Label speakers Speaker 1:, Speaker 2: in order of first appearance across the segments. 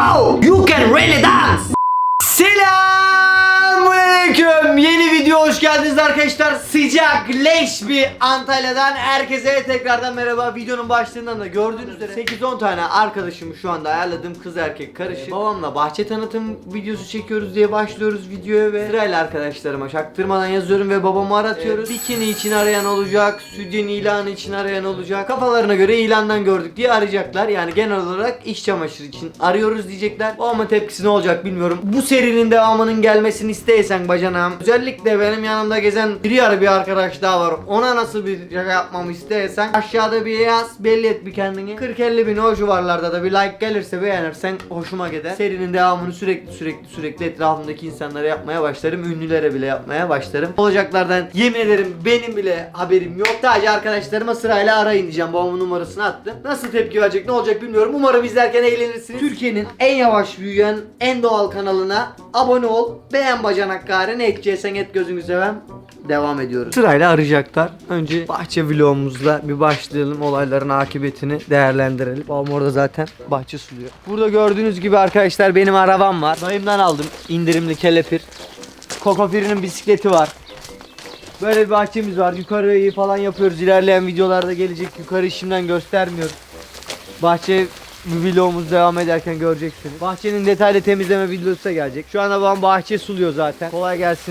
Speaker 1: Wow, you can really dance. Selamünaleyküm. Yeni video hoş geldiniz arkadaşlar. Sıcak leş bir Antalya'dan herkese tekrardan merhaba. Videonun başlığından da gördüğünüz üzere 8-10 tane arkadaşımı şu anda ayarladığım kız erkek karışık. Babamla bahçe tanıtım videosu çekiyoruz diye başlıyoruz videoya ve sırayla arkadaşlarıma çaktırmadan yazıyorum ve babamı aratıyoruz. Bikini için arayan olacak, sütyen ilanı için arayan olacak. Kafalarına göre ilandan gördük diye arayacaklar. Yani genel olarak iş çamaşırı için arıyoruz diyecekler. Babamın tepkisi ne olacak bilmiyorum. Bu serinin devamının gelmesini isteysen bacanağım. Özellikle benim yanımda gezen bir arkadaş daha var. Ona nasıl bir şaka yapmamı isteysen aşağıda bir yaz, belli et bir kendini. 40-50 bin o civarlarda da bir like gelirse beğenirsen hoşuma gider. Serinin devamını sürekli etrafımdaki insanlara yapmaya başlarım. Ünlülere bile yapmaya başlarım. Olacaklardan yemin ederim benim bile haberim yok. Sadece arkadaşlarıma sırayla arayın diyeceğim. Babamın numarasını attım. Nasıl tepki verecek, ne olacak bilmiyorum. Umarım izlerken eğlenirsiniz. Türkiye'nin en yavaş büyüyen, en doğal kanalına abone ol. Beğen bacanak gari. Ne edeceksen et, gözünü sevem. Devam ediyoruz. Sırayla arayacaklar. Önce bahçe vlogumuzla bir başlayalım. Olayların akıbetini değerlendirelim. Babam orada zaten bahçe suluyor. Burada gördüğünüz gibi arkadaşlar benim arabam var. Dayımdan aldım. İndirimli kelepir. Kokofiri'nin bisikleti var. Böyle bir bahçemiz var. Yukarıyı falan yapıyoruz. İlerleyen videolarda gelecek. Yukarıyı şimdiden göstermiyoruz. Bahçe vlogumuz devam ederken göreceksiniz. Bahçenin detaylı temizleme videosu da gelecek. Şu anda babam bahçe suluyor zaten. Kolay gelsin.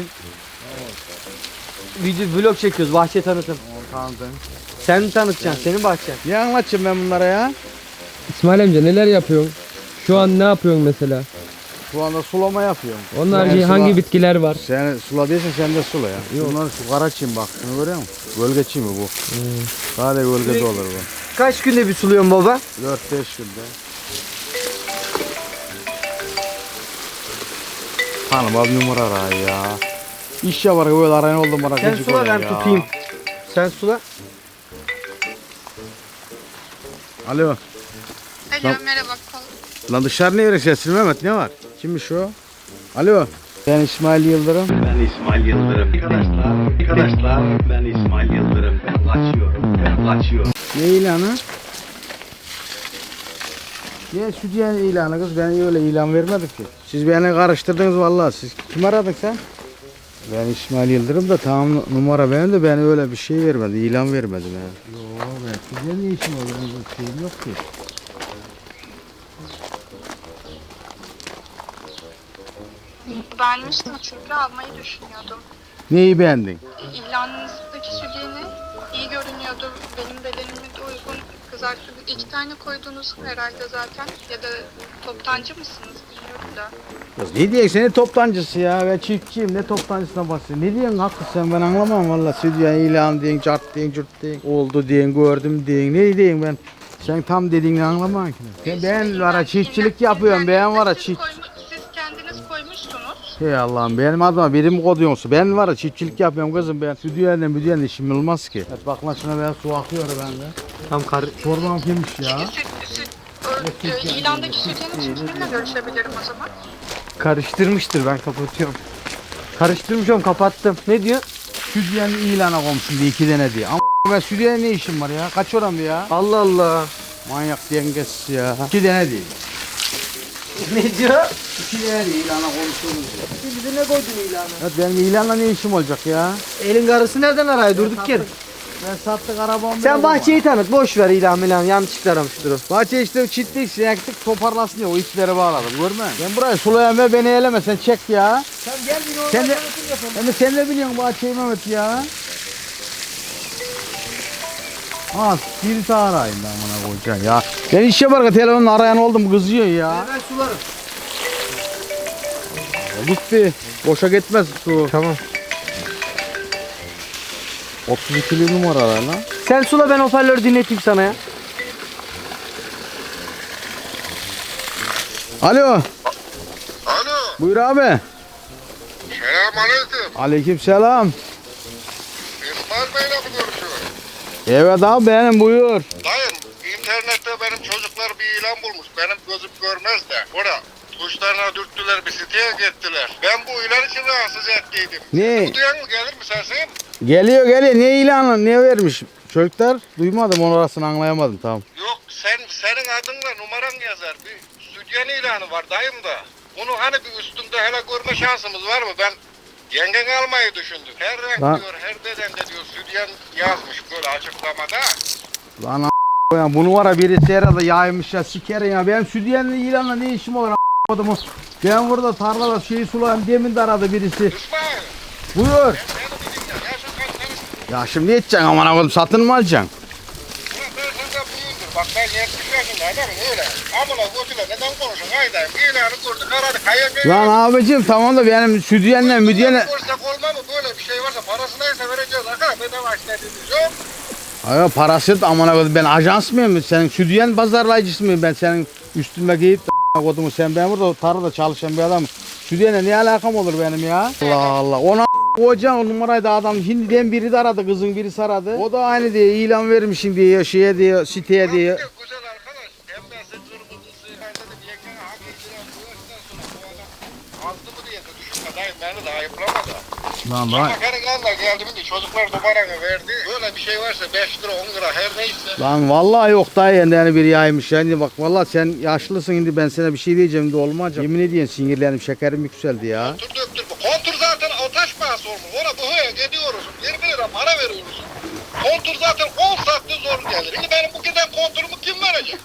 Speaker 1: Video vlog çekiyoruz. Bahçe tanıtım.
Speaker 2: Tanıdım.
Speaker 1: Sen mi tanıtacaksın? Senin bahçen.
Speaker 2: Ne anlatacağım ben bunlara ya?
Speaker 3: İsmail amca neler yapıyorsun? Şu an ne yapıyorsun mesela?
Speaker 2: Şu anda sulama yapıyorum.
Speaker 3: Onlar
Speaker 2: Yani
Speaker 3: hangi bitkiler var?
Speaker 2: Sen suladıysan sen de sula ya. Bunlar şu karaçim bak. Şunu görüyor musun? Gölgeçi mi bu? Sadece gölgede olur bu.
Speaker 1: Kaç günde bir suluyorsun baba?
Speaker 2: 4-5 günde. Hanım abi numara ara ya. İş yapar böyle arayan oldum bana.
Speaker 1: Sen
Speaker 2: gıcık
Speaker 1: sula,
Speaker 2: oluyor
Speaker 1: ben
Speaker 2: ya.
Speaker 1: tutayım. Sen sula.
Speaker 2: Alo.
Speaker 4: Alo
Speaker 2: Lan-
Speaker 4: merhaba.
Speaker 2: Lan dışarı ne verirsin Mehmet, ne var? Kimmiş o? Alo. Ben İsmail Yıldırım.
Speaker 5: Ben İsmail Yıldırım. Arkadaşlar ben İsmail Yıldırım. Ben kaçıyorum.
Speaker 2: Ne ilanı? Ne stüdyo ilanı kız, ben öyle ilan vermedim ki. Siz beni karıştırdınız vallahi. Siz kim aradın sen? Ben İsmail Yıldırım da tamam, numara benim de ben öyle bir şey vermedim, ilan vermedim ya. Yo ben stüdyo ne işim olur, bir şeyim yok ki.
Speaker 4: Beğenmiştim çünkü almayı düşünüyordum.
Speaker 2: Neyi beğendin?
Speaker 4: İlanınızdaki sütyeni iyi görünüyordu. Benim bedenime de uygun. Kızartıcı 2 tane koydunuz herhalde zaten. Ya da toptancı mısınız bilmiyorum da.
Speaker 2: Kız ne diyorsun, ne toptancısı ya, ben çiftçiyim, ne toptancısına bahsediyorsun? Ne diyorsun haklısın sen, ben anlamam valla. Stüdyo ilan diyorsun, cart diyorsun, cürt diyorsun, oldu diyorsun, gördüm diyorsun, ne diyorsun ben? Sen tam dediğini anlamam ki. Ben var ya çiftçilik yapıyorum, ben var ya çift.
Speaker 4: Siz kendiniz koymuşsunuz.
Speaker 2: Hey Allah'ım, benim adıma birim koduyorsun. Ben var ya çiftçilik yapıyorum kızım, ben stüdyoyla işim olmaz ki. Evet bak lan şuna, ben su akıyor bende.
Speaker 1: Tam kar.
Speaker 2: Çorbam kimmiş ya?
Speaker 4: İlandaki sütyenin için kiminle görüşebilirim o zaman?
Speaker 1: Karıştırmıştır, ben kapatıyorum. Karıştırmışım, kapattım. Ne diyor?
Speaker 2: Stüdyo'nun ilana koymuşsun diye 2 tane diye. Ama ben stüdyoya ne işim var ya? Kaç oram ya?
Speaker 1: Allah Allah.
Speaker 2: Manyak dengesiz ya. 2 tane değil.
Speaker 1: Ne diyor?
Speaker 2: 2 tane değil ilana koymuşsunuz ya.
Speaker 1: Bize ne koydun ilanı?
Speaker 2: Evet benim ilanla ne işim olacak ya?
Speaker 1: Elin karısı nereden arayı durduk yere?
Speaker 2: Ben sattık arabamı.
Speaker 1: Sen bahçeyi tanıt, boş ver ilan yanlışlıkla aramıştır o.
Speaker 2: Bahçe işte çitlik sineklik toparlasın diye o ipleri bağladım, görme. Ben burayı sulayan ve beni eleme, sen çek ya.
Speaker 1: Sen gel bir normal
Speaker 2: Sen de,
Speaker 1: tanıtım yapalım.
Speaker 2: hem de sen de biliyorsun bahçeyi Mehmet ya. Ha bir daha arayın da amına koyacaksın ya. Ben iş yaparken telefonla arayan oldum, kızıyor ya.
Speaker 1: Ben sularım.
Speaker 2: Gitti. Boşa gitmez su.
Speaker 1: Tamam.
Speaker 2: 32'li numaralar lan.
Speaker 1: Sen sula, ben hoparlörü dinleteyim sana ya.
Speaker 2: Alo.
Speaker 6: Alo,
Speaker 2: Buyur abi.
Speaker 6: selamünaleyküm.
Speaker 2: Aleykümselam.
Speaker 6: İsmail Bey'le mi görüşüyorum?
Speaker 2: Evet abi benim, buyur.
Speaker 6: Dayım, internette benim çocuklar bir ilan bulmuş. Benim gözüm görmez de. Orada tuşlarına dürttüler, bir siteye gittiler. Ben bu ilan için rahatsız ettiydim.
Speaker 2: Ne?
Speaker 6: Bu duyan mı gelir mi sesin?
Speaker 2: Geliyor. Ne ilanı, ne vermiş? Çocuklar duymadım, onu orasını anlayamadım, tamam.
Speaker 6: Yok, senin adınla numaran yazar. Bir sütyen ilanı var dayım da. Bunu hani bir üstünde hele görme şansımız var mı? Ben yengen almayı düşündüm. Her renk
Speaker 2: Lan.
Speaker 6: diyor, her bedende diyor sütyen yazmış böyle açıklamada.
Speaker 2: Lan ya bunu var ya birisi herhalde yaymış ya sikerim ya. Benim sütyenli ilanla ne işim olur a**madım. Ben burada tarlada şeyi sulayayım demin de aradı birisi.
Speaker 6: İsmail,
Speaker 2: Buyur.
Speaker 6: beni bir dinle. Yaşın kaç senin?
Speaker 2: Ya şimdi ne edeceksin aman koydum satın mı alacaksın?
Speaker 6: Ulan ben senden büyüğümdür. Bak ben 70 yaşında adamım öyle. Amına götüyle neden konuşun? Haydayım. İlanı gördük aradık. Hayır ben.
Speaker 2: Lan abicim tamam da benim sütyenle müdyenle...
Speaker 6: Görsak olmaz mı? Böyle bir şey varsa parası neyse vereceğiz. Arkadaşlar bedava istediğimiz yok.
Speaker 2: Hayır parası da aman koydum ben ajans mıyım? Senin sütyen pazarlayıcısı mıyım ben senin üstüme giyip de kodumu sen ben burada tarlada çalışan bir adamım. Sütyenle ne alakam olur benim ya? Allah Allah. Ona koyacaksın o numarayı da adam şimdiden biri de aradı kızın birisi aradı. O da aynı diye ilan vermişim diye şeye diye siteye diye.
Speaker 6: Güzel arkadaş. Pembesi, kırmızısı. Ben dedim yengene hak ediyorum. Bu yaştan sonra bu adam azdı mı diye de düşünme dayım. Beni de ayıplama da.
Speaker 2: Lan
Speaker 6: Ama karın yanına geldim de çocuklar numaranı verdi. Böyle bir şey varsa 5 lira 10 lira her neyse.
Speaker 2: Lan vallahi yok daha yani biri yaymış yani bak vallahi sen yaşlısın şimdi ben sana bir şey diyeceğim de olmayacak. Yemin ediyorum sinirlerim şekerim yükseldi ya.
Speaker 6: Kontur döktür bu. Kontur zaten o taş pahası olmuş. Ona bu höye gidiyoruz. 20 lira para veriyoruz. Kontur zaten 10 saatte zor gelir. Şimdi benim bu giden konturumu kim verecek?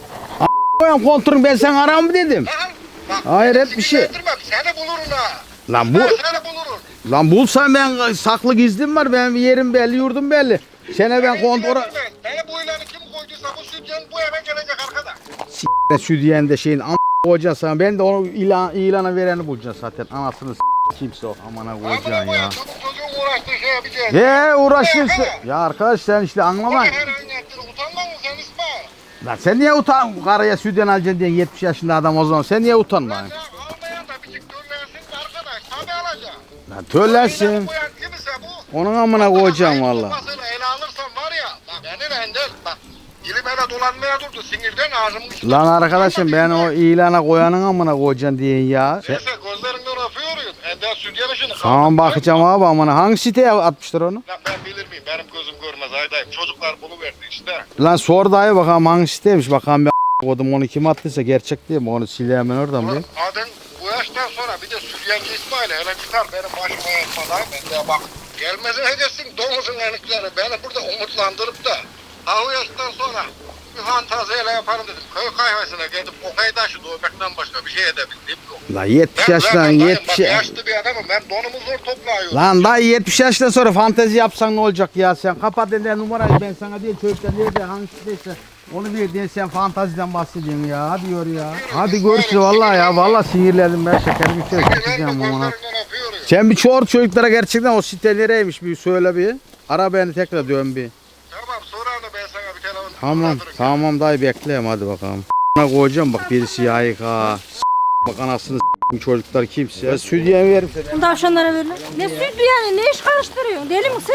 Speaker 2: Koyam konturun ben sen aram mı dedim.
Speaker 6: Lan, bak,
Speaker 2: Hayret bir şey.
Speaker 6: sinirlendirmem, seni bulurum ha.
Speaker 2: Lan bu
Speaker 6: Ben seni bulurum.
Speaker 2: lan bulsam ben saklı gizlim var benim yerim belli yurdum belli. Sene ben kontora
Speaker 6: Beni bu ilanı kim koyduysa bu sütyen bu eve gelecek arkadaş.
Speaker 2: südyen de şeyin koyacaksın ben de onu ilana vereni bulacağım zaten anasını kimse o amana koyacaksın
Speaker 6: Amına
Speaker 2: ya.
Speaker 6: koyayım, çoluk çocuğun uğraştığı şey yapacağız.
Speaker 2: He uğraşırsın. Ya arkadaş sen işte anlama.
Speaker 6: Her an yaptın, utanmaz mısın sen İsmail?
Speaker 2: Lan sen niye utan karıya sütyen alacaksın diye 70 yaşında adam o zaman sen niye utanma?
Speaker 6: Ya almayan da bir çık döllensin de arkadaş tabi alacak.
Speaker 2: Lan töllensin.
Speaker 6: İlanı koyan kimse bu.
Speaker 2: Onun amına koyacağım valla.
Speaker 6: Kafasıyla ele alırsan var ya. Bak beni Ender bak. Dilim hele dolanmaya durdu sinirden ağzımın içinde.
Speaker 2: Lan arkadaşım ben o ilana koyanın amına koyacaksın diyen ya. Sen...
Speaker 6: Neyse gözlerinden öpüyorum. Ender sütyen işini
Speaker 2: Tamam bakacağım abi amına hangi siteye atmışlar onu?
Speaker 6: Lan ben bilir miyim? Benim gözüm görmez aydayım. Çocuklar bunu verdi işte.
Speaker 2: Lan sor dayı bakalım hangi siteymiş bakalım ben kodum onu kim attıysa gerçek değil mi onu sileyim ben oradan bir.
Speaker 6: Adın bu yaştan sonra bir de Süryancı İsmail hele çıkar benim başıma yatmadan. Ben de bak gelmezin edersin domuzun enikleri. Beni burada umutlandırıp da ha o yaştan sonra bir fantaziyle yaparım dedim. Köy kahvesine gidip okay taşı dövmekten başka bir şey edebildim yok.
Speaker 2: Lan 70
Speaker 6: Ben
Speaker 2: yaştan
Speaker 6: zaten dayım,
Speaker 2: 70
Speaker 6: bak yaşlı bir adamım. Ben donumu zor toplayıyorum.
Speaker 2: Lan dayı 70 yaştan sonra fantezi yapsan ne olacak ya sen kapat elinden numarayı ben sana değil çocuklar nerede hangi siteyse onu bir diye sen fantaziden bahsediyorsun ya hadi yor ya. Hadi görüşürüz vallahi ya vallahi sinirlendim ben şekerim yüksek
Speaker 6: Ben
Speaker 2: gideceğim
Speaker 6: de
Speaker 2: amına.
Speaker 6: gözlerinden öpüyorum.
Speaker 2: Sen bir çor çocuklara gerçekten o site nereymiş bir söyle bir. Ara beni tekrar dön bir.
Speaker 6: Tamam sonra da ben sana bir telefon
Speaker 2: Tamam
Speaker 6: anlatırım.
Speaker 2: tamam dayı bekleyeyim hadi bakalım. Koyacağım bak birisi yayık ha. Bak anasını çocuklar kimse. Ya sütyen verim.
Speaker 7: Tavşanlara verilir. Ne sütü yani ne iş karıştırıyorsun deli misin?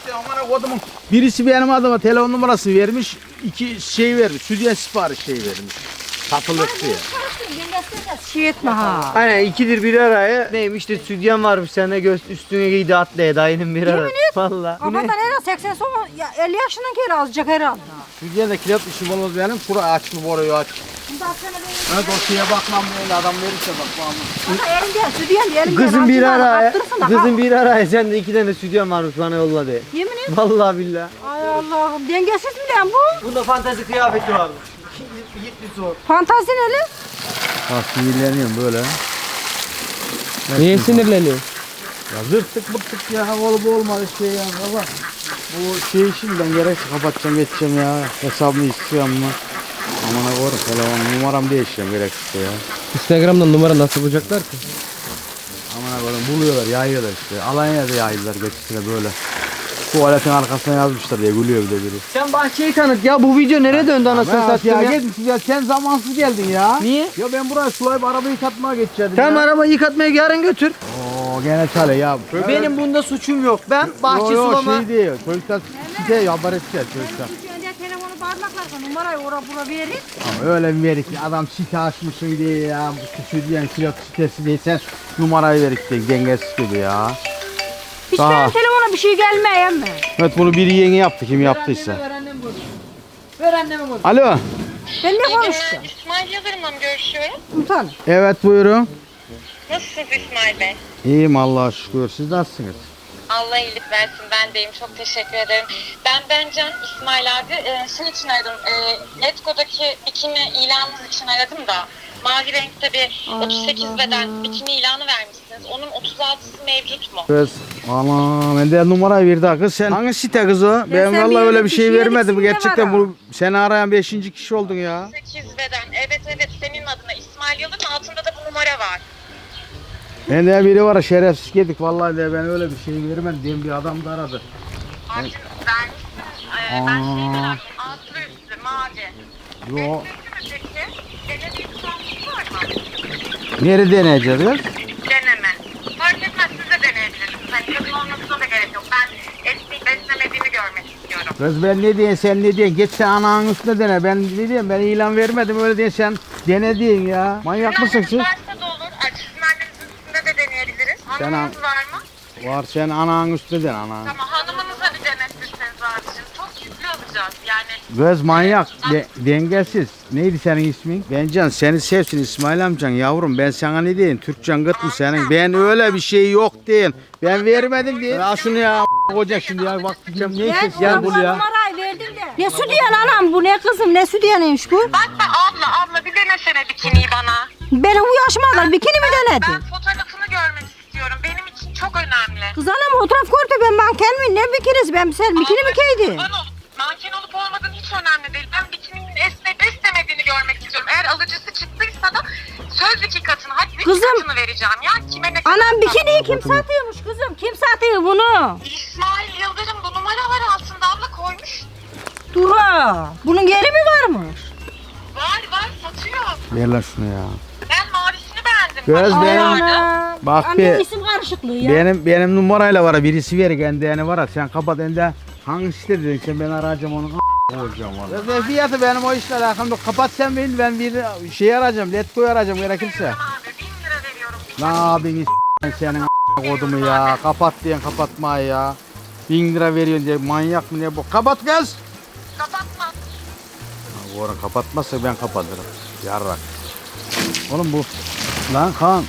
Speaker 2: Birisi benim adıma telefon numarası vermiş. 2 şey vermiş. Sütyen sipariş şey vermiş. Satılık diye.
Speaker 7: Şey etme ha.
Speaker 1: Aynen ikidir bir araya. Neymiş de sütyen varmış sana üstüne giydi atlaya dayının bir araya. Valla. Bu ne?
Speaker 7: Kafadan herhalde 80 son ya 50 yaşından geri azıcık herhalde.
Speaker 2: Sütyen de kilot işim olmaz benim. Şura aç mı boruyu aç.
Speaker 7: Bundan sonra ben
Speaker 2: Evet o şeye bakmam böyle adam verirse bak bana.
Speaker 7: bana elim gel sütü yani elim
Speaker 1: Kızın bir araya. Kızın
Speaker 7: Kızın
Speaker 1: bir araya sen de 2 tane sütyen varmış bana yolladı.
Speaker 7: Yemin ederim.
Speaker 1: Vallahi billahi.
Speaker 7: Ay Allah'ım dengesiz mi lan bu?
Speaker 1: Bunda fantezi kıyafeti varmış. Gitti sor.
Speaker 7: Fantazi neli?
Speaker 2: Bak sinirleniyorum böyle.
Speaker 3: Niye sinirleniyor?
Speaker 2: Ya zırttık bıktık ya oğlum bu olmadı şey ya baba. Bu şey işini ben gerekse kapatacağım geçeceğim ya. Hesabını istiyorum ama. Amına koyarım telefon numaram değişeceğim gerekirse ya.
Speaker 3: Instagram'dan numara nasıl bulacaklar ki?
Speaker 2: Amına koyarım buluyorlar yayıyorlar işte. Alanya'da yaydılar geçişine böyle. Tuvaletin arkasına yazmışlar diye gülüyor bir de biri.
Speaker 1: Sen bahçeyi tanıt ya bu video nereye döndü anasını
Speaker 2: Ya
Speaker 1: satayım ya.
Speaker 2: gitmiş ya sen zamansız geldin ya.
Speaker 1: Niye?
Speaker 2: Ya ben buraya sulayıp arabayı yıkatmaya geçeceğim
Speaker 1: Tamam
Speaker 2: ya.
Speaker 1: arabayı yıkatmaya yarın götür.
Speaker 2: Oo gene çare ya.
Speaker 1: Benim bunda suçum yok. Ben bahçe
Speaker 2: Yo,
Speaker 1: sulama.
Speaker 2: şey değil. Çocuklar site haber edeceğiz çocuklar.
Speaker 7: Önce telefonu parmaklarsa numarayı bura verir.
Speaker 2: Ama öyle bir verik ki adam site açmışsın diye ya. Bu sütyen kilot sitesi diye sen numarayı verik diye dengesiz gibi ya.
Speaker 7: Hiç
Speaker 2: Daha.
Speaker 7: benim telefona bir şey gelmeyen mi?
Speaker 2: Evet bunu biri yeni yaptı kim yaptıysa.
Speaker 1: Ver annemi bunu. Ver annemi bunu.
Speaker 2: Alo.
Speaker 7: Ben ne
Speaker 4: İyi günler.
Speaker 7: konuşacağım?
Speaker 4: İsmail Yıldırım'la mı görüşüyorum?
Speaker 7: Utan.
Speaker 2: Evet buyurun.
Speaker 4: Nasılsınız İsmail Bey?
Speaker 2: İyiyim Allah'a şükür. Siz nasılsınız?
Speaker 4: Allah iyilik versin, ben deyim. Çok teşekkür ederim. Ben Can, İsmail abi. Şunun için aradım. Letgo'daki bikini ilanınız için aradım da. Mavi renkte bir 38 beden bikini ilanı vermişsiniz. Onun 36'sı mevcut mu?
Speaker 2: Kız. Ana bende numara verdi ha kız. Sen hangi site kız o? Ben
Speaker 7: sen
Speaker 2: vallahi
Speaker 7: bir
Speaker 2: öyle bir şey
Speaker 7: kişiye
Speaker 2: vermedim.
Speaker 7: ikisinde
Speaker 2: Gerçekten
Speaker 7: var
Speaker 2: bu seni arayan 5. kişi oldun ya.
Speaker 4: 38 beden. Evet, senin adına İsmail Yıldırım, altında da bu numara var.
Speaker 2: Bende biri var şerefsiz yedik vallahi de ben öyle bir şey vermedim diye bir adam da aradı.
Speaker 4: Abicim vermişsiniz. Ben şey merak ettim. Altlı üstlü, mavi.
Speaker 2: Yo.
Speaker 4: Peki, denediğiniz şansınız var mı?
Speaker 2: Nerede deneyeceğiz kız?
Speaker 4: Deneme. Fark etmez, siz de deneyebilirsiniz. Hani kadın olmasına da gerek yok. Ben esneyip beslemediğini görmek istiyorum.
Speaker 2: Kız ben ne diyeyim sen ne diyeyim? Git sen ananın üstüne dene. Ben ne diyeyim? Ben ilan vermedim öyle diye sen dene diyin ya. Manyak mısın siz?
Speaker 4: Varsa da olur. Sizin annenizin üstünde de deneyebiliriz.
Speaker 2: Sen
Speaker 4: Hanımınız var mı?
Speaker 2: Var sen ananın üstüne dene ana.
Speaker 4: Tamam, hanımınıza bir denetirseniz abicim. Çok yüklü alacağız yani.
Speaker 2: Kız manyak, dengesiz. Neydi senin ismin? Bencan seni sevsin İsmail amcan yavrum. Ben sana ne diyeyim? Türkçen gıt mı senin? Ben öyle bir şey yok değil. Ben vermedim diye. Al şunu ya olacak şimdi ya. Bak diyeceğim ne
Speaker 7: Ben
Speaker 2: ses ya bu ya.
Speaker 7: numarayı verdim de. Ne su diyen anam bu ne kızım ne su diyeniymiş bu?
Speaker 4: Bak be abla bir denesene bikiniyi bana.
Speaker 7: Benim bu yaşıma kadar bikini mi
Speaker 4: Ben
Speaker 7: denedin?
Speaker 4: fotoğrafını görmek istiyorum. Benim için çok önemli.
Speaker 7: Kız anam fotoğraf gördü ben manken mi ne bikinisi ben sen bikini mi giydin?
Speaker 4: Kurban olup manken olup olmadığın hiç önemli değil. Ben bikininin esneyip esnemediğini görmek istiyorum. Eğer alıcısı çıktıysa da söz 2 katını, hadi 3
Speaker 7: Kızım.
Speaker 4: katını vereceğim ya. Kime ne kadar
Speaker 7: Anam
Speaker 4: satın?
Speaker 7: bikiniyi kim satıyormuş kızım? Kim satıyor bunu?
Speaker 4: İsmail Yıldırım bu numaralar altında abla koymuş.
Speaker 7: Dura. Bunun yeri mi varmış?
Speaker 4: Var satıyor.
Speaker 2: Ver lan şunu ya.
Speaker 4: Ben mavisini beğendim.
Speaker 2: Göz
Speaker 4: Bak,
Speaker 2: benim.
Speaker 4: vardı.
Speaker 7: Ana.
Speaker 2: Bak
Speaker 7: Anne
Speaker 2: bir-
Speaker 7: isim karışıklığı ya.
Speaker 2: Benim numarayla var birisi ver kendi yani var sen kapat ende hangisi dedin sen ben arayacağım onu olacağım valla. Ne fiyatı benim o işle alakam yok. Kapat sen beni ben bir şey arayacağım. Letgo'yu arayacağım gerekirse.
Speaker 4: Abi 1000 lira veriyorum.
Speaker 2: Ne yapayım senin kodumu ya. Kapat diyen kapatma ya. 1000 lira veriyorsun diye manyak mı ne bu? Kapat kız.
Speaker 4: Kapatma.
Speaker 2: Bu ara kapatmazsa ben kapatırım. Yarrak. Oğlum bu. Lan Kaan.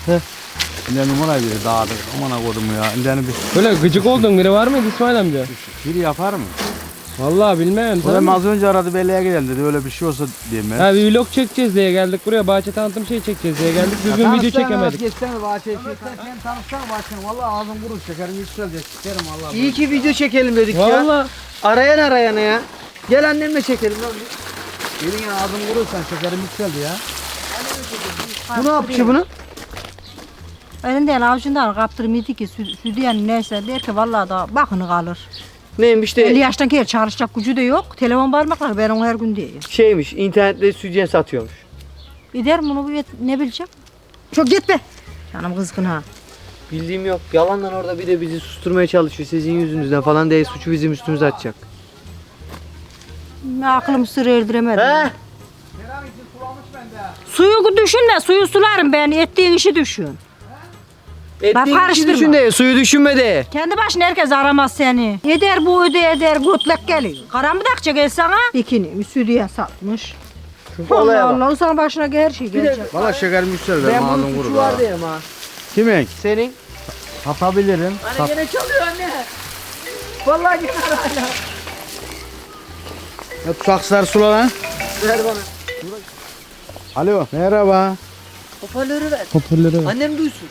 Speaker 2: Ne numara biri dağıdık. Aman kodumu ya. İndeni bir
Speaker 3: Böyle gıcık olduğun biri var mıydı İsmail amca?
Speaker 2: biri yapar mı?
Speaker 3: Vallahi bilmem.
Speaker 2: O da az önce aradı belleğe gidelim dedi. Öyle bir şey olsa diyeyim ben.
Speaker 3: Ha bir vlog çekeceğiz diye geldik buraya. Bahçe tanıtım şey çekeceğiz diye geldik. Düzgün video çekemedik.
Speaker 2: Geçsene bahçeye sen tanışsana bahçeni. Valla ağzım kurur şekerim yükselecek. Sikerim valla.
Speaker 1: İyi ki video çekelim dedik ya.
Speaker 3: Vallahi.
Speaker 1: Arayan arayana ya. Gel annemle çekelim lan.
Speaker 2: Gelin ya ağzım kurursan şekerim yükseldi ya.
Speaker 1: Bu ne yapıyor bunu?
Speaker 7: Elinden avucundan kaptırmıyordu ki südyen neyse der ki vallahi da bakını kalır.
Speaker 1: Neymiş
Speaker 7: 50
Speaker 1: de
Speaker 7: yaştan geri çalışacak gücü de yok. Telefon parmakları ben onu her gün diyor.
Speaker 1: şeymiş internette sütyen satıyormuş.
Speaker 7: Gider bunu ne bileceğim? Çok gitme. Canım kızgın ha.
Speaker 1: Bildiğim yok. Yalandan orada bir de bizi susturmaya çalışıyor. Sizin yüzünüzden falan diye suçu bizim üstümüze atacak.
Speaker 7: Aklım sır erdiremedim.
Speaker 1: He?
Speaker 7: Suyu düşünme, suyu sularım ben. Ettiğin işi düşün.
Speaker 1: Ettiğin işi
Speaker 7: karıştırma.
Speaker 1: düşün de suyu düşünme de.
Speaker 7: Kendi başına herkes aramaz seni. Eder bu eder, götlek geliyor. Karanlıkça gel sana. Bikini, müsüdiye satmış.
Speaker 1: Olaya
Speaker 7: Allah
Speaker 1: bak.
Speaker 7: Allah, sana başına her şey gelecek.
Speaker 2: Valla şekerim yükseldi.
Speaker 1: Ben
Speaker 2: Benim
Speaker 1: bunun
Speaker 2: ağzım
Speaker 1: suçu
Speaker 2: kurur.
Speaker 1: var derim ha.
Speaker 2: Kimin?
Speaker 1: Senin.
Speaker 2: Satabilirim.
Speaker 1: Anne gene çalıyor anne. Vallahi gene hala.
Speaker 2: Saksılar sula lan.
Speaker 1: Ver bana.
Speaker 2: Alo. Merhaba.
Speaker 1: Hoparlörü ver.
Speaker 3: Hoparlörü ver.
Speaker 1: Annem duysun.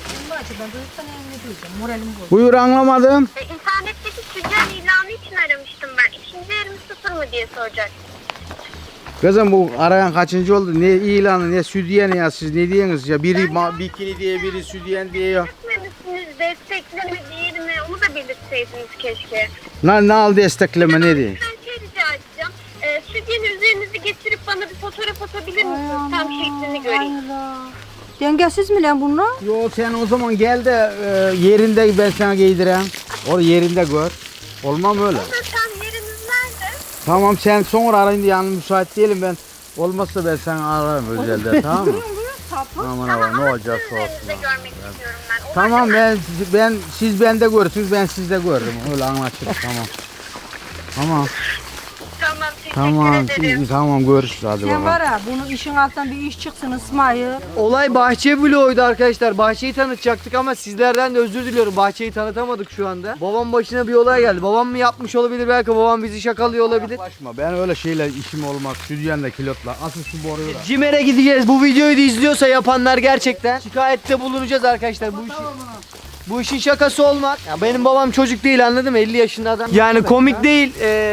Speaker 2: Buyur anlamadım.
Speaker 4: İnternetteki stüdyen ilanı için aramıştım ben. İkinci yerimi sıfır mı diye soracak.
Speaker 2: Kızım bu arayan kaçıncı oldu? Ne ilanı ne südyen ya siz ne diyorsunuz ya? Biri bikini diye biri südyen diye ya.
Speaker 4: Desteklemişsiniz, destekleme değil mi? Onu da belirtseydiniz keşke.
Speaker 2: Ne al destekleme ne diye?
Speaker 4: Ben şey rica edeceğim. Stüdyenin üzerinizi getirip bana bir fotoğraf atabilir misiniz? Tam şeklini göreyim.
Speaker 7: Dengesiz mi lan bunlar?
Speaker 2: Yo sen o zaman gel de yerinde ben sana giydireyim. Or yerinde gör. Olmam öyle.
Speaker 4: Tam yeriniz nerede?
Speaker 2: Tamam sen sonra arayın diye yani müsait değilim ben. Olmazsa ben seni ararım özelde tamam mı? Aman aman ne olacaksa olsun.
Speaker 4: Sizi de görmek istiyorum ben. O
Speaker 2: Tamam ben siz bende görürsünüz ben sizde görürüm. Öyle anlaşırız tamam. Tamam.
Speaker 4: Tamam,
Speaker 2: Tamam,
Speaker 4: Teşekkür ederim.
Speaker 2: tamam görüşürüz hadi
Speaker 7: Sen
Speaker 2: bakalım.
Speaker 7: var ya bunun işin altından bir iş çıksın İsmail.
Speaker 1: Olay bahçe vloguydu arkadaşlar. Bahçeyi tanıtacaktık ama sizlerden de özür diliyorum. Bahçeyi tanıtamadık şu anda. Babam başına bir olay geldi. Babam mı yapmış olabilir, belki babam bizi şakalıyor olabilir.
Speaker 2: Başma, ben öyle şeyler işim olmaz. Stüdyonda kilotla. Asıl şu boruyu da.
Speaker 1: Cimer'e gideceğiz. Bu videoyu da izliyorsa yapanlar gerçekten şikayette bulunacağız arkadaşlar. Bu işin şakası olmaz. Ya benim babam çocuk değil, anladın mı? 50 yaşında adam. Yani komik değil.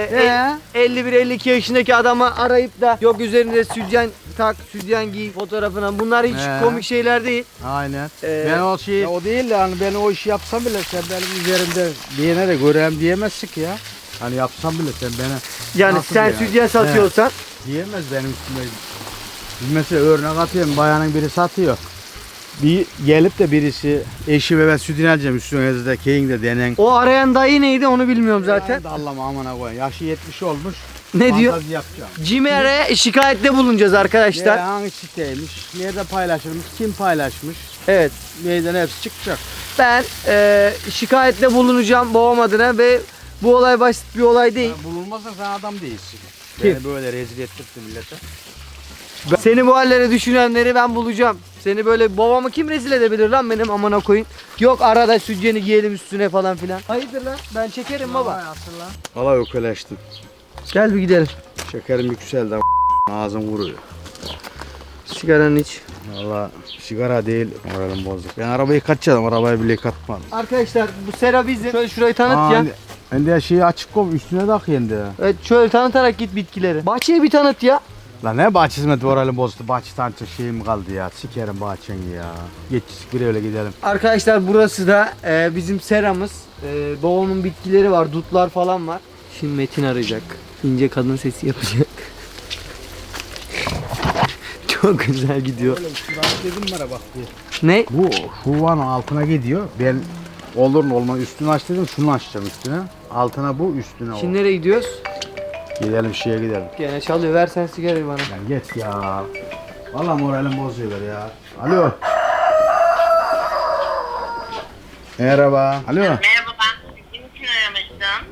Speaker 1: 51-52 yaşındaki adama arayıp da yok üzerinde sütyen tak, sütyen giy fotoğrafına. Bunlar hiç komik şeyler değil.
Speaker 2: Aynen.
Speaker 1: Ee,
Speaker 2: Ben o şey, o değil de hani ben o işi yapsam bile sen benim üzerimde diyene de göreyim diyemezsin ki ya. Hani yapsam bile sen bana
Speaker 1: Yani
Speaker 2: nasıl
Speaker 1: sen
Speaker 2: yani?
Speaker 1: sütyen satıyorsan
Speaker 2: Diyemez benim üstüme. Mesela örnek atıyorum, bayanın biri satıyor. Bir gelip de birisi eşi ve ben sütünü alacağım üstüne de keyin de denen.
Speaker 1: o arayan dayı neydi onu bilmiyorum zaten.
Speaker 2: Allah'ım amına koyayım. Yaşı 70 olmuş.
Speaker 1: Ne diyor?
Speaker 2: Fantazi yapacağım.
Speaker 1: Cimer'e şikayette bulunacağız arkadaşlar.
Speaker 2: Hangi siteymiş, nerede paylaşılmış, kim paylaşmış,
Speaker 1: Evet.
Speaker 2: neyden hepsi çıkacak.
Speaker 1: Ben şikayette bulunacağım babam adına ve bu olay basit bir olay değil.
Speaker 2: Bulunmazsan sen adam değilsin.
Speaker 1: Kim?
Speaker 2: Beni böyle rezil ettirdi millete.
Speaker 1: Seni bu hallere düşünenleri ben bulacağım. Seni böyle babamı kim rezil edebilir lan benim amına koyayım. Yok arada sütyeni giyelim üstüne falan filan. Hayırdır lan, ben çekerim baba.
Speaker 2: Valla ökeleştim.
Speaker 1: Gel bir gidelim.
Speaker 2: Şekerim yükseldi ama ağzım vuruyor.
Speaker 1: Sigaranı iç.
Speaker 2: Valla sigara değil, moralim bozuk. Ben arabayı kaçacağım, arabayı bile katmadım.
Speaker 1: Arkadaşlar bu sera bizim. Şöyle şurayı tanıt ya.
Speaker 2: Ben de şeyi açık koy, üstüne tak yendi ya.
Speaker 1: Evet şöyle tanıtarak git bitkileri. Bahçeyi bir tanıt ya.
Speaker 2: Lan ne bahçesi mi, moralim bozdu. Bahçe tanıtacak şeyim kaldı ya. Sikerim bahçeni ya. Geç bir öyle gidelim.
Speaker 1: Arkadaşlar burası da bizim seramız. Babamın bitkileri var, dutlar falan var. Şimdi Metin arayacak. İnce kadın sesi yapacak. Çok güzel gidiyor.
Speaker 2: Dedim bana bak diye.
Speaker 1: Ne?
Speaker 2: Bu şuvanın altına gidiyor. Ben olur mu olmaz üstünü aç dedim, şunu açacağım üstüne. Altına bu, üstüne o.
Speaker 1: Şimdi nereye gidiyoruz?
Speaker 2: Gidelim şeye gidelim.
Speaker 1: Gene çalıyor. Ver sen sigarayı bana.
Speaker 2: Lan geç ya. Vallahi moralim bozuyorlar ya. Alo. Merhaba. Alo.
Speaker 4: Merhaba, ben sizin için aramıştım.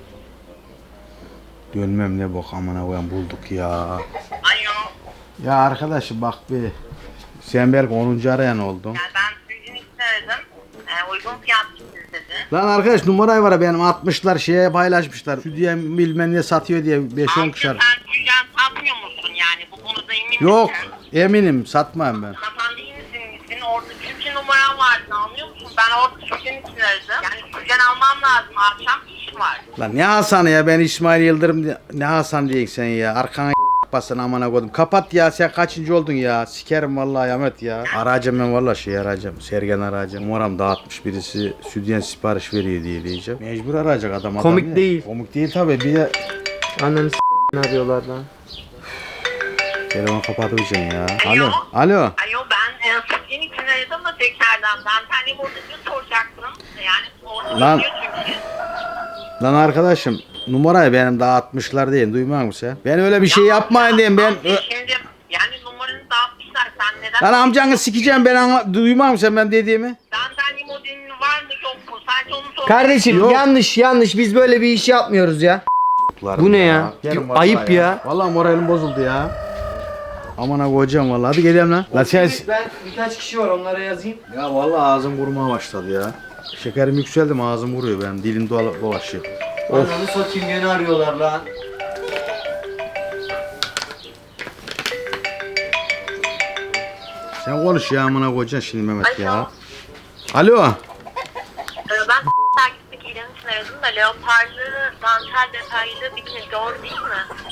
Speaker 2: Dönmem ne bok amına koyayım, bulduk ya.
Speaker 4: Alo.
Speaker 2: Ya arkadaşım bak bir. Sen belki 10. arayan oldun.
Speaker 4: Yani ben sizin için aradım. Uygun fiyatlı dedi.
Speaker 2: Lan arkadaş numarayı var ya benim 60'lar şeye paylaşmışlar. Şu diye bilmem ne satıyor diye 5-10 kişi.
Speaker 4: Sen tüccar satmıyor musun yani? Bu konuda emin
Speaker 2: Yok
Speaker 4: misin?
Speaker 2: eminim satmam ben.
Speaker 4: Satan değil misin? Senin orada çünkü numaran vardı, anlıyor musun? Ben orada tüccar için aradım. Yani tüccar almam lazım. Akşam iş var.
Speaker 2: Lan ne Hasan'ı ya, ben İsmail Yıldırım ne Hasan diyeceksin sen ya, arkana basın amına koydum. Kapat ya, sen kaçıncı oldun ya, sikerim vallahi Ahmet ya. Arayacağım ben vallahi, şey arayacağım, Sergen arayacağım. Numaram dağıtmış birisi, sütyen sipariş veriyor diye diyeceğim. Mecbur arayacak adam.
Speaker 1: Komik
Speaker 2: ya.
Speaker 1: değil.
Speaker 2: Komik değil tabi, bir de
Speaker 1: Anneni arıyorlar lan.
Speaker 2: telefonu kapatacaksın ya.
Speaker 4: Alo.
Speaker 2: Alo. Alo.
Speaker 4: Alo, ben sizin için aradım da tekrardan. Ben tane borcunu soracaktım. Yani orada
Speaker 2: Lan.
Speaker 4: diyor çünkü.
Speaker 2: Lan arkadaşım numarayı benim dağıtmışlar değil, duymuyor musun sen? Ben öyle bir şey yapmayın diyeyim ben.
Speaker 4: Şimdi yani numaranı dağıtmışlar, sen neden?
Speaker 2: Lan amcanı sikeceğim ben, duymuyor musun sen ben dediğimi?
Speaker 4: Benden modelin var mı yok mu? Sadece onu sor.
Speaker 1: Kardeşim
Speaker 2: Yok.
Speaker 1: yanlış biz böyle bir iş yapmıyoruz ya. Bu ne ya?
Speaker 2: Gelin vallahi
Speaker 1: Ayıp ya.
Speaker 2: Vallahi moralim bozuldu ya. Aman ha koyacağım vallahi. Hadi gidelim lan. La sen...
Speaker 1: Ben birkaç kişi var, onlara yazayım.
Speaker 2: Ya vallahi ağzım vurmaya başladı ya. Şekerim yükseldi mi ağzım vuruyor benim. Dilim dolaşıyor.
Speaker 1: Ananı satayım, gene arıyorlar lan.
Speaker 2: Sen konuş ya, amına koyacaksın şimdi Mehmet
Speaker 4: Alo.
Speaker 2: ya. Alo.
Speaker 4: Ben takipteki ilan için aradım da leoparlı, dantel detaylı bikini, doğru değil mi?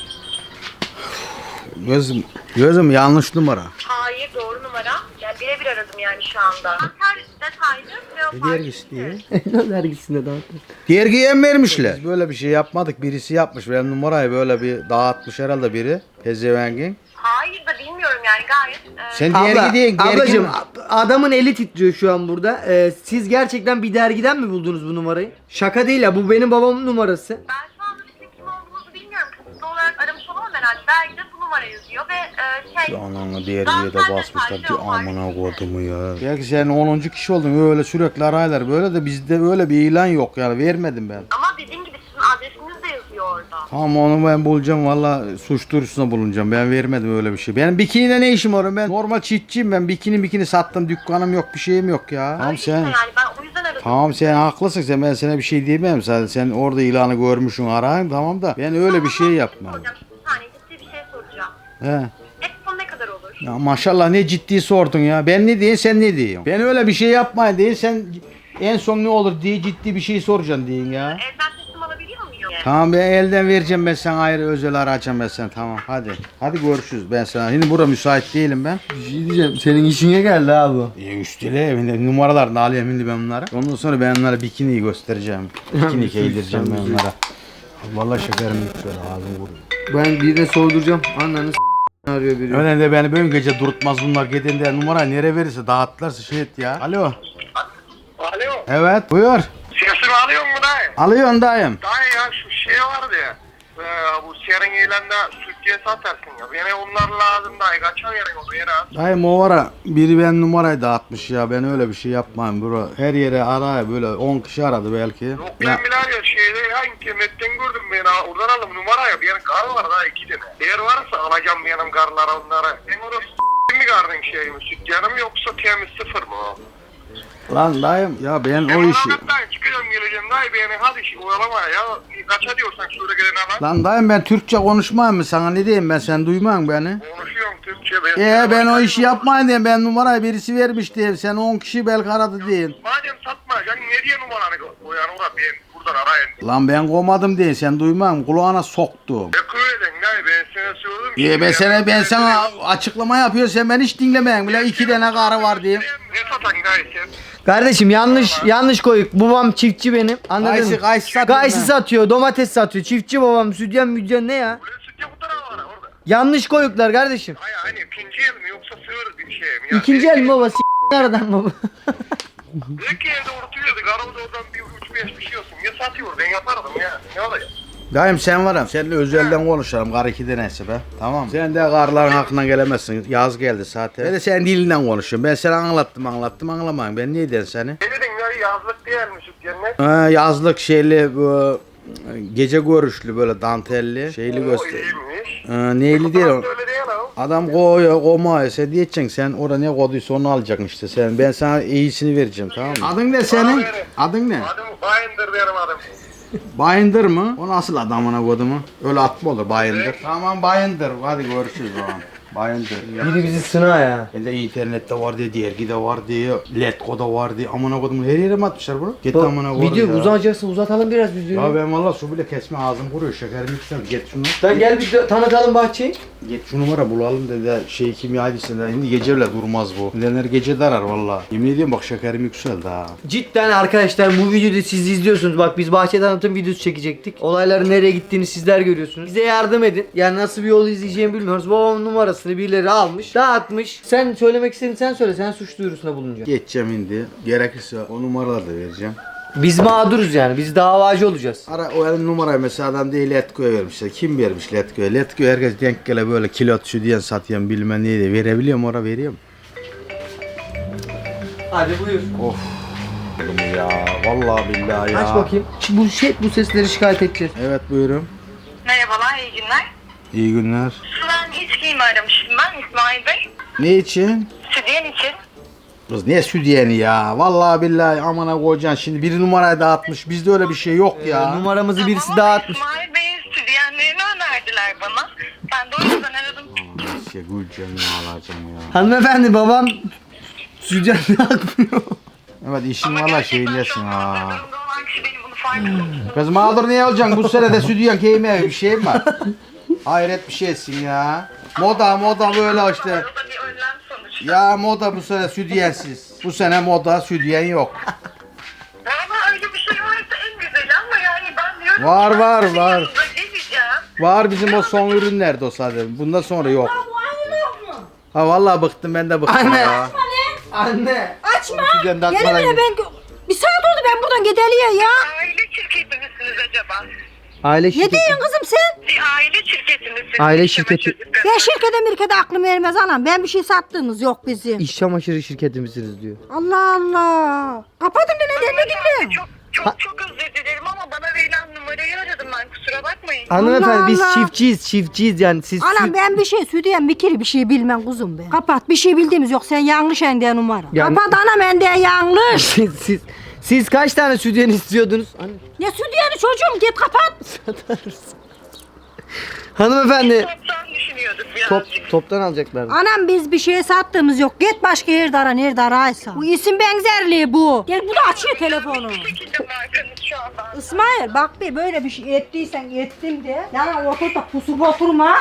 Speaker 2: Gözüm yanlış numara.
Speaker 4: Hayır, doğru numara. Yani birebir aradım yani şu anda. Dantel detaylı, leoparlı.
Speaker 2: Dergisi diye.
Speaker 1: Ne dergisinde dağıttın?
Speaker 2: Dergiye mi vermişler? Biz böyle bir şey yapmadık. Birisi yapmış. Benim numarayı böyle bir dağıtmış herhalde biri. Pezevengin.
Speaker 4: Hayır da bilmiyorum yani gayet.
Speaker 2: Sen dergi değil.
Speaker 1: Ablacım adamın eli titriyor şu an burada. Siz gerçekten bir dergiden mi buldunuz bu numarayı? Şaka değil ya, bu benim babamın numarası.
Speaker 4: Ben şu anda sizin kim olduğunuzu bilmiyorum. Kısıtlı olarak aramış olamam herhalde. Dergide bu numara yazıyor ve
Speaker 2: Ananı dergiye de basmışlar. Bir amına kodumu ya. Belki sen 10. kişi oldun. Öyle sürekli araylar. Böyle de bizde öyle bir ilan yok yani. Vermedim ben.
Speaker 4: Ama dediğim gibi sizin adresiniz de yazıyor orada.
Speaker 2: Tamam onu ben bulacağım valla suç duyurusuna bulunacağım. Ben vermedim öyle bir şey. Benim bikiniyle ne işim var? Ben normal çiftçiyim. Ben bikini sattım. Dükkanım yok, bir şeyim yok ya. Tamam sen.
Speaker 8: Yani ben o yüzden aradım.
Speaker 2: Tamam sen haklısın sen, ben sana bir şey diyemem zaten. Sen orada ilanı görmüşsün, arayayım tamam da ben öyle bir şey yapmam.
Speaker 8: Soracağım. Bir saniye ciddi bir şey soracağım.
Speaker 2: He.
Speaker 8: En son ne kadar olur?
Speaker 2: Ya maşallah ne ciddi sordun ya. Ben ne diyeyim sen ne diyorsun? Ben öyle bir şey yapmayayım değil, sen en son ne olur diye ciddi bir şey soracaksın diyorsun ya.
Speaker 8: Elden teslim alabiliyor muyum?
Speaker 2: Tamam ben elden vereceğim, ben sana ayrı özel arayacağım ben sana, tamam hadi. Hadi görüşürüz ben sana. Şimdi burada müsait değilim ben.
Speaker 1: Bir şey diyeceğim. Senin işine geldi ha bu.
Speaker 2: Üstüne şimdi numaralarını alayım şimdi ben bunları. Ondan sonra ben onlara bikiniyi göstereceğim. Bikini giydireceğim ben onlara. Vallahi şekerim yüksel ağzım vuruyor.
Speaker 1: Ben birine sorduracağım. Ananı arıyor biri.
Speaker 2: Öyle de beni böyle gece durutmaz bunlar. Gidin de numara nereye verirse dağıttılarsa şey et ya. Alo.
Speaker 6: Alo.
Speaker 2: Evet buyur.
Speaker 6: Sesimi alıyor mu dayı?
Speaker 2: Alıyorsun dayım.
Speaker 6: Dayı ya şu şey vardı ya. Bu serin eğlende sütye satarsın ya. Bana onlar lazım dayı. Kaça verin onu yere az.
Speaker 2: Dayım o ara biri ben numarayı dağıtmış ya. Ben öyle bir şey yapmayayım bro. Her yere araya böyle 10 kişi aradı belki.
Speaker 6: Yok
Speaker 2: Ya,
Speaker 6: ben bile şeyde ya internetten gördüm beni. Oradan aldım numarayı. Benim kar var daha 2 tane. Eğer varsa alacağım benim karlara onlara. Sen orası mi kardın şey mi? Süt yanım yoksa temiz sıfır mı o?
Speaker 2: lan dayım ya ben o
Speaker 6: Ben
Speaker 2: işi.
Speaker 6: oradan çıkıyorum geleceğim dayı beni hadi şey oyalama ya. Kaça diyorsan şöyle gelene lan.
Speaker 2: Lan dayım ben Türkçe konuşmayayım mı sana, ne diyeyim ben, sen duymam beni.
Speaker 6: Konuşuyorum Türkçe.
Speaker 2: Ben o işi yapmayayım diyeyim, ben numarayı birisi vermiş diyeyim, sen 10 kişi belki aradı deyin.
Speaker 6: Madem satmayacaksın ne diye numaranı koyan orada ben buradan arayın.
Speaker 2: Lan ben kovmadım diye sen duymam, kulağına soktum.
Speaker 6: Ne köyden dayı ben sana söyledim.
Speaker 2: Ben sana açıklama yapıyorum, sen beni hiç dinlemeyin bile, 2 tane karı var diyeyim.
Speaker 6: Ne satan dayı sen?
Speaker 1: Kardeşim yanlış koyuk. Babam çiftçi benim. Anladın mı?
Speaker 2: Kayısı satıyor.
Speaker 1: Kayısı satıyor, domates satıyor. Çiftçi babam, sütyen müdyen ne ya?
Speaker 6: Ulan sütçe bu tarafa var orada.
Speaker 1: Yanlış koyuklar kardeşim.
Speaker 6: Hayır hani ikinci el mi yoksa sığır bir şey mi? Ya,
Speaker 1: İkinci el mi baba? Aradan baba.
Speaker 6: İlk evde oturuyordu. Garavda oradan bir 3-5 bir şey olsun. Ya satıyor ben yapardım ya. Ne olacak?
Speaker 2: Dayım sen varım, seninle özelden konuşalım, kar 2 deneyse be. Tamam. Sen de karların hakkına gelemezsin, yaz geldi zaten. Ben de senin dilinden konuşuyorum, ben sana anlattım anlamayın, ben niye dersin seni?
Speaker 6: Ne dedin ya yazlık değil mi süt cennet?
Speaker 2: Yazlık şeyli bu gece görüşlü böyle dantelli şeyli göster.
Speaker 6: İyiymiş.
Speaker 2: Neyli değil o.
Speaker 6: Öyle değil ha.
Speaker 2: Adam koyuyor sen diyeceksin, sen orada ne koyduysa onu alacaksın işte sen. Ben sana iyisini vereceğim, tamam mı? Adın ne senin? Adın ne?
Speaker 6: Adım Bayındır benim adım.
Speaker 2: Bayındır mı? O nasıl adamına koydu mu? Öyle at mı olur Bayındır? Tamam Bayındır, hadi görüşürüz o zaman. Bayındır.
Speaker 1: Biri bizi sına ya.
Speaker 2: Elde internette var diye, dergide var diye, Letgo'da var diye, amına koydum her yere mi atmışlar bunu? Git amına koydum
Speaker 1: Video
Speaker 2: ya.
Speaker 1: uzayacaksa uzatalım biraz
Speaker 2: Ya
Speaker 1: videoyu.
Speaker 2: ben valla su bile kesme ağzım kuruyor, şekerim yükseldi. Git şunu.
Speaker 1: Sen gel bir tanıtalım bahçeyi.
Speaker 2: Git şu numara bulalım dedi şey kimyacısında. Şimdi gece bile durmaz bu. Neler gece darar valla. Yemin ediyorum bak şekerim yükseldi ha.
Speaker 1: Cidden arkadaşlar bu videoda siz izliyorsunuz. Bak biz bahçe tanıtım videosu çekecektik. Olayların nereye gittiğini sizler görüyorsunuz. Bize yardım edin. Yani nasıl bir yol izleyeceğimi bilmiyoruz. Babamın numarasını birileri almış, dağıtmış. Sen söylemek istediğini sen söyle. Sen suç duyurusuna bulunacaksın.
Speaker 2: Geçeceğim şimdi. Gerekirse o numaraları da vereceğim.
Speaker 1: Biz mağduruz yani. Biz davacı olacağız.
Speaker 2: Ara o elin numarayı mesela adam değil Letgo'ya vermişler. Kim vermiş Letgo'ya? Letgo'ya herkes denk gele böyle kilot şu diyen satıyor bilmem neyi verebiliyor mu, oraya veriyor mu?
Speaker 1: Hadi buyur.
Speaker 2: Of. Oğlum ya vallahi billahi ya.
Speaker 1: Aç bakayım. Bu sesleri şikayet edeceğiz.
Speaker 2: Evet buyurun.
Speaker 8: Merhabalar, iyi günler.
Speaker 2: İyi günler.
Speaker 8: Ben içkiyimi aramıştım ben İsmail Bey.
Speaker 2: Ne için?
Speaker 8: Sütyen için.
Speaker 2: Kız ne südyeni ya? Vallahi billahi amına koyacaksın şimdi biri numarayı dağıtmış. Bizde öyle bir şey yok ya.
Speaker 1: Numaramızı birisi
Speaker 8: Tamam,
Speaker 1: dağıtmış.
Speaker 8: İsmail Bey'in sütyenlerini önerdiler bana. Ben de o yüzden aradım.
Speaker 2: Şey Gülcan'ı alacağım ya.
Speaker 1: Hanımefendi babam sütyen dağıtmıyor.
Speaker 2: Evet işin
Speaker 8: Ama
Speaker 2: valla
Speaker 8: gerçekten
Speaker 2: şeyindesin
Speaker 8: şu an
Speaker 2: ha.
Speaker 8: durumda olan kişi benim bunu farkında.
Speaker 2: Kız mağdur niye olacaksın? Bu sene de südyen giyme bir şey mi var? Hayret bir şeysin ya. Moda böyle işte.
Speaker 8: O da bir önlem sonuçta.
Speaker 2: Ya moda bu sene südyensiz. Bu sene moda südyen yok.
Speaker 8: Ama öyle bir şey varsa en güzeli ama yani ben diyorum
Speaker 2: Var,
Speaker 8: ki ben
Speaker 2: var,
Speaker 8: sizin
Speaker 2: var.
Speaker 8: yanınıza geleceğim.
Speaker 2: Var bizim o son ürünlerde o sadece. Bundan sonra yok. Ha vallahi bıktım, ben de bıktım
Speaker 1: Anne.
Speaker 2: ya.
Speaker 1: Anne.
Speaker 7: Açma.
Speaker 1: Sütyen dağıtmadan
Speaker 7: Gelin hele
Speaker 1: git.
Speaker 7: ben bir saat oldu ben buradan gideliye ya.
Speaker 8: Aile şirketi misiniz acaba?
Speaker 1: Aile
Speaker 7: Ne
Speaker 1: şirketi.
Speaker 7: diyorsun kızım sen?
Speaker 8: Bir aile şirketi misiniz?
Speaker 1: Aile
Speaker 8: İşleme
Speaker 1: şirketi.
Speaker 8: çocukları.
Speaker 7: Ben şirkete mirkete aklım ermez anam. Ben bir şey sattığımız yok bizim.
Speaker 1: İş çamaşırı şirketimizsiniz diyor.
Speaker 7: Allah Allah. Kapadın da neden ne
Speaker 8: Hanımefendi
Speaker 7: dinle?
Speaker 8: çok Çok özür dilerim ama bana verilen numarayı aradım ben, kusura bakmayın.
Speaker 1: Hanımefendi
Speaker 7: Allah
Speaker 1: biz
Speaker 7: Allah.
Speaker 1: çiftçiyiz yani siz
Speaker 7: Anam ben bir şey Südiyen bir şey bilmem kuzum ben. Kapat bir şey bildiğimiz yok sen yanlış ende numara.
Speaker 1: Yani-
Speaker 7: Kapat anam ende yanlış.
Speaker 1: siz kaç tane sütyen istiyordunuz?
Speaker 7: Ne Südiyen'i çocuğum git kapat.
Speaker 1: Hanımefendi
Speaker 8: Toptan düşünüyorduk birazcık.
Speaker 1: toptan alacaklar.
Speaker 7: Anam biz bir şey sattığımız yok. Git başka yerde ara nerede araysa. Bu isim benzerliği bu. Gel bu da açıyor telefonu.
Speaker 8: Bu şekilde markanız şu anda.
Speaker 7: İsmail bak bir böyle bir şey ettiysen ettim de. Yani ortada pusup oturma.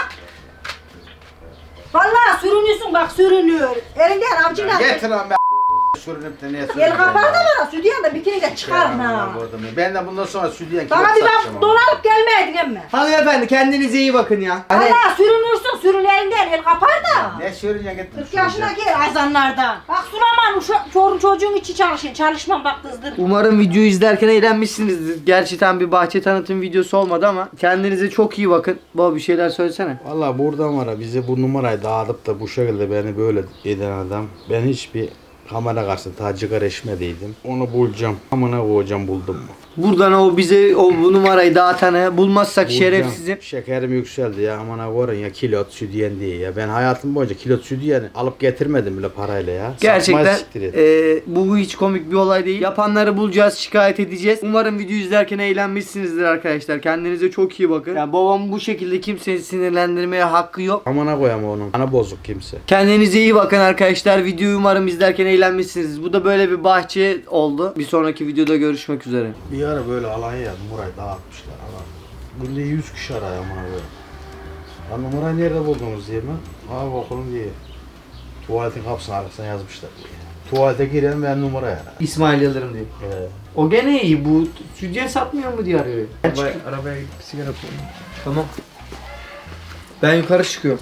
Speaker 7: Vallahi sürünüyorsun bak sürünüyor. Elinden avcıyla.
Speaker 2: Getir lan be sürünüp de niye
Speaker 7: El kapağı da var Südiyen de bikini de çıkar ha.
Speaker 2: Ben de bundan sonra sütyen
Speaker 7: Bana bir bak dolanıp gelmeydin emme.
Speaker 1: Hanımefendi kendinize iyi bakın ya. Hani
Speaker 7: Vallahi sürünürsün sürün elinden el kapar da.
Speaker 2: Ne sürüneceksin getir.
Speaker 7: 40 yaşındaki azanlardan. Bak Sulaman çocuğun içi çalışın. Çalışmam bak kızdır.
Speaker 1: umarım videoyu izlerken eğlenmişsinizdir. Gerçekten bir bahçe tanıtım videosu olmadı ama kendinize çok iyi bakın. Baba bir şeyler söylesene.
Speaker 2: Valla buradan var ya bize bu numarayı dağıtıp da bu şekilde beni böyle eden adam. Ben hiçbir kamera karşısında tacıkar eşmediydim. Onu bulacağım. Amına koyacağım buldum mu?
Speaker 1: Buradan bu numarayı dağıtanı bulmazsak
Speaker 2: Bulacağım.
Speaker 1: şerefsizim.
Speaker 2: Şekerim yükseldi ya amına koyun ya kilot sütyen diye ya. Ben hayatım boyunca kilot sütyen alıp getirmedim bile parayla ya.
Speaker 1: Gerçekten
Speaker 2: Satmaya siktir et.
Speaker 1: bu hiç komik bir olay değil. Yapanları bulacağız, şikayet edeceğiz. Umarım videoyu izlerken eğlenmişsinizdir arkadaşlar. Kendinize çok iyi bakın. Yani babam bu şekilde kimseyi sinirlendirmeye hakkı yok.
Speaker 2: Amına koyam onun. Ana bozuk kimse.
Speaker 1: Kendinize iyi bakın arkadaşlar. Videoyu umarım izlerken eğlenmişsiniz. Bu da böyle bir bahçe oldu. Bir sonraki videoda görüşmek üzere.
Speaker 2: Bir ara böyle Alanya'ya numarayı dağıtmışlar ama. Günde 100 kişi arıyor amına koyayım. Lan numarayı nerede buldunuz diye mi? Abi okulun diye. Tuvaletin kapısının arkasına yazmışlar diye. Tuvalete girelim ben numarayı ara.
Speaker 1: İsmail Yıldırım diye. O gene iyi. Bu sütyen satmıyor mu diye arıyor.
Speaker 3: Arabaya gidip sigara koyayım.
Speaker 1: Tamam. Ben yukarı çıkıyorum.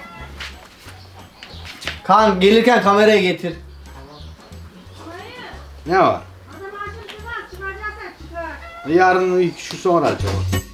Speaker 1: Kan gelirken kamerayı getir.
Speaker 2: Ne var? Yarın şu sonra acaba.